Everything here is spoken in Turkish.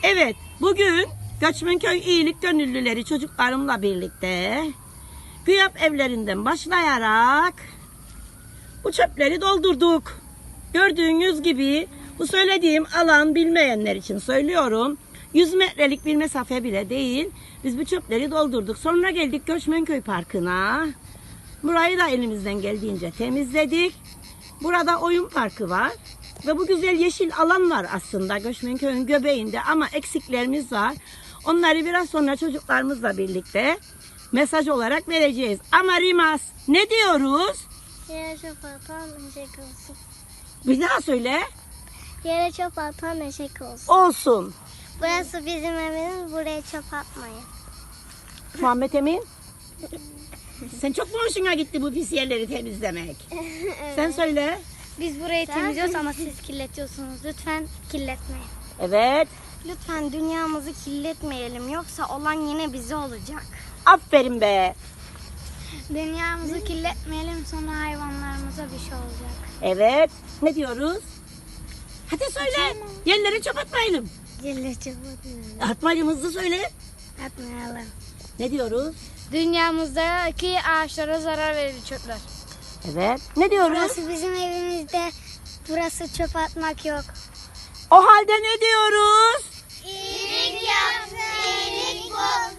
Evet, bugün Göçmenköy İyilik Gönüllüleri çocuklarımla birlikte GÜYAP evlerinden başlayarak bu çöpleri doldurduk. Gördüğünüz gibi bu söylediğim alan bilmeyenler için söylüyorum. 100 metrelik bir mesafe bile değil. Biz bu çöpleri doldurduk. Sonra geldik Göçmenköy Parkı'na. Burayı da elimizden geldiğince temizledik. Burada oyun parkı var. Ve bu güzel yeşil alan var aslında Göçmenköy'ün göbeğinde ama eksiklerimiz var. Onları biraz sonra çocuklarımızla birlikte mesaj olarak vereceğiz. Ama Rimas ne diyoruz? Yere çöp atan eşek olsun. Bir daha söyle. Yere çöp atan eşek olsun. Olsun. Burası bizim evimiz. Buraya çöp atmayın. Muhammed Emin. Sen çok mu hoşuna gitti bu pis yerleri temizlemek? Sen söyle. Biz burayı temizliyoruz ama siz kirletiyorsunuz. Lütfen kirletmeyin. Evet. Lütfen dünyamızı kirletmeyelim. Yoksa olan yine bize olacak. Aferin be. Dünyamızı kirletmeyelim, sonra hayvanlarımıza bir şey olacak. Evet. Ne diyoruz? Hadi söyle. Yerlere çöp atmayalım. Yerlere çöp atmayalım. Atmayalım, hızlı söyle. Atmayalım. Ne diyoruz? Dünyamızdaki ağaçlara zarar verir çöpler. Evet. Ne diyoruz? Burası bizim evimizde. Burası çöp atmak yok. O halde ne diyoruz? İyilik yapsın, iyilik bulsun.